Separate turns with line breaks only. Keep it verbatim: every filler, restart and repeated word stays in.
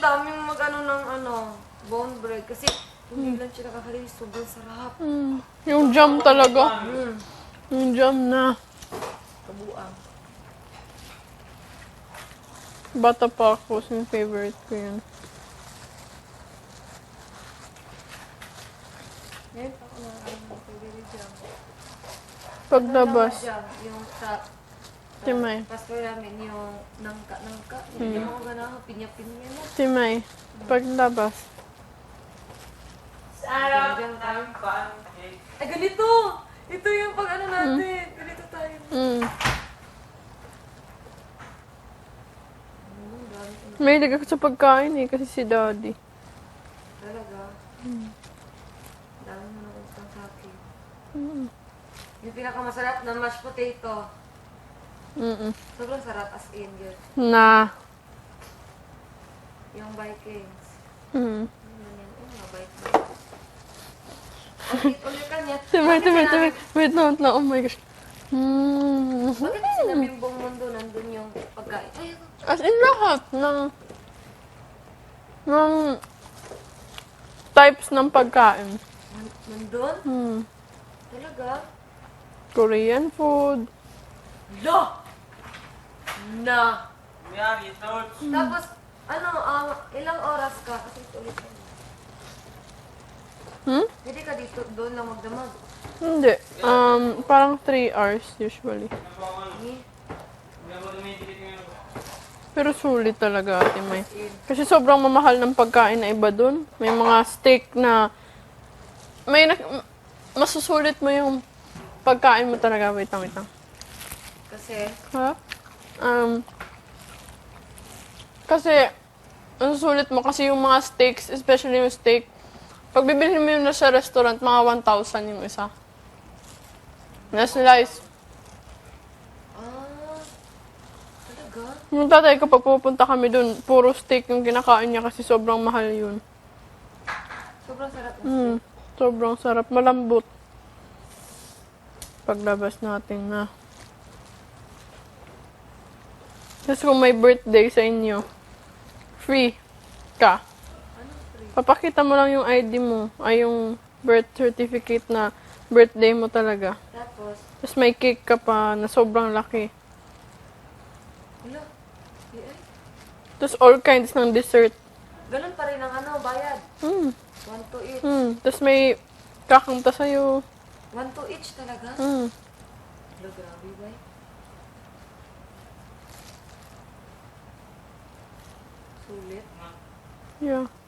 daming mag-ano ng ano, bone bread. Kasi hindi lang siya nakakalinis. Sobrang sarap.
Mm. Yung jam talaga.
Mm.
Yung jam na.
Kabuang.
Bata pa ako, yung favorite ko yun.
Ngayon pa ako na ano, favorite jam.
Paglabas.
Ano lang jam, yung sa...
Timay.
Pastor namin yung nangka-nangka. Hindi mo ko ganahan, pinya-pinya na.
Timay. Paglabas.
Sarap ng pancake. Ay, ganito! Ito yung pag ano natin. Ganito tayo.
Mm.
Mm, dami ko na.
May ako sa pagkain eh, kasi si daddy.
Talaga. Dami mo na utang sa akin.
Mm.
Yung pinakamasarap na mashed potato.
Mm.
Sobrang sarap as in yun.
Na.
Yung Vikings.
Mm.
Ano yan? Oh, mga bite-bite. Ulit, ulit ka niya.
Timay,
Bakit
timay,
sinabi-
timay. Wait lang, wait lang. Oh my gosh. Mm.
Bakit sinabing buong mundo nandun yung pagkain? Ay, ako.
As in lahat ng ng types ng pagkain.
Nan- Nandun?
Hmm.
Talaga?
Korean food.
Lo! Na!
Miyagi, torch.
Tapos, ano, ah, ilang oras ka? Kasi ulit ka.
Hmm?
Pwede ka dito, doon lang magdamag.
Hindi. Um, parang three hours usually.
Eh,
Hindi ako dumidilit ngayon.
Pero sulit talaga, Ate May. Kasi sobrang mamahal ng pagkain na iba dun. May mga steak na... May na... Masusulit mo yung pagkain mo talaga. Wait lang, wait lang.
kasi,
Ha? Um... Kasi... Ang sulit mo kasi yung mga steaks, especially yung steak, pag bibilhin mo yun na sa restaurant, mga one thousand yung isa. Na slice.
ah, talaga?
Yung tatay ko, pag pupunta kami dun, puro steak yung kinakain niya kasi sobrang mahal yun.
Sobrang sarap ng
Mm,
steak.
sobrang sarap. Malambot. Paglabas natin na. Tapos kung may birthday sa inyo, free ka.
Anong free?
Papakita mo lang yung I D mo, ay yung birth certificate na birthday mo talaga.
Tapos,
Tapos may cake ka pa na sobrang laki.
wala. Eh, ay,
Tapos all kinds ng dessert.
ganun pa rin ang ano, bayad.
Mm,
One to each.
mm. Tapos may kakanta sa'yo.
One to each talaga?
Mm.
Wala, grabe ba?
Hmm.
Sulit.
Yeah.